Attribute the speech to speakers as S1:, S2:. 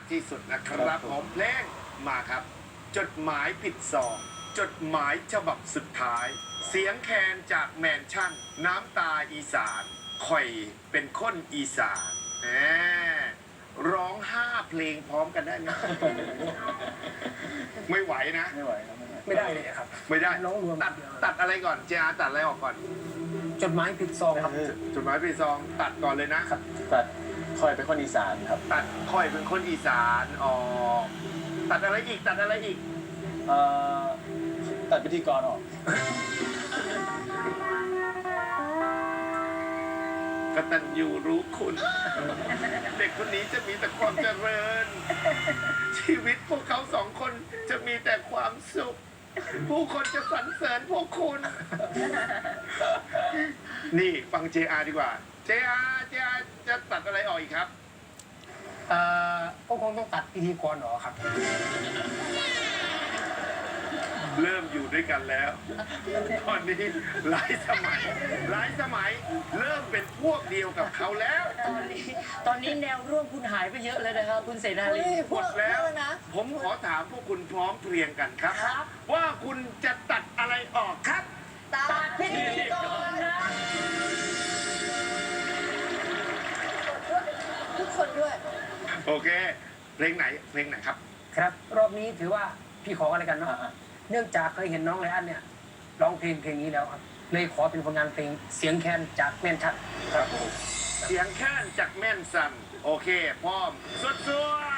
S1: ที่สุดนะครับผมเพลงมาครับ จดหมายผิดซองจดหมายฉบับสุดท้าย เสียงแคนจากแมนชั่น น้ำตาอีสานข่อยเป็นคนอีสานร้อง5 เพลงพร้อมกันได้ไหม ไม่ไหวนะ
S2: ไม่ไหวครับ
S3: ไม่ได้เลยครับ
S1: ไม่ได้
S3: ร้องรวม
S1: ตัดอะไรก่อนเจอาตัดอะไรออกก่อน
S3: จดหมายผิดซองครับ
S1: จดหมายผิดซองตัดก่อนเลยนะ
S2: ตัดคอยเป็นคนอีสานครับ
S1: ตัดค่อยเป็นคนอีสานออกตัดอะไรอีกตัดอะไรอีก
S2: เอ่อตัดพิธีกรออก
S1: กตัญญูรู้คุณ เด็กคนนี้จะมีแต่ความเจริญ ชีวิตพวกเขา2 คนจะมีแต่ความสุข ผู้คนจะสรรเสริญพวกคุณ นี่ฟัง JR ดีกว่า JR จะตัดอะไรออกอีกครับ
S3: ก็คงต้องตัดพิธีกรออกครับ
S1: เริ่มอยู่ด้วยกันแล้ว ตอนนี้หลายสมัยเริ่มเป็นพวกเดียวกับเขาแล้ว
S4: ตอนนี้แนวร่วมคุณหายไปเยอะเลยนะครับคุณเสนาลี
S1: หมดแล้ว ผมขอถามพวกคุณพร้อมเพรียงกันครับ ว่าคุณจะตัดอะไรออกครับ
S4: ตัดพิธีกรนะ
S5: ทุกคนด้วย
S1: โอเค เพลงไหนครับ
S3: ครับ รอบนี้ถือว่าพี่ขออะไรกันเนาะ เนื่องจากเคยเห็นน้องไรอันเนี่ยร้องเพลงนี้แล้วครับเลยขอเป็นผลงานเพลงเสียงแคนจากแมนชั่น
S1: ครับผมเสียงแค้นจากแม่นสัน โอเค พร้อมสวด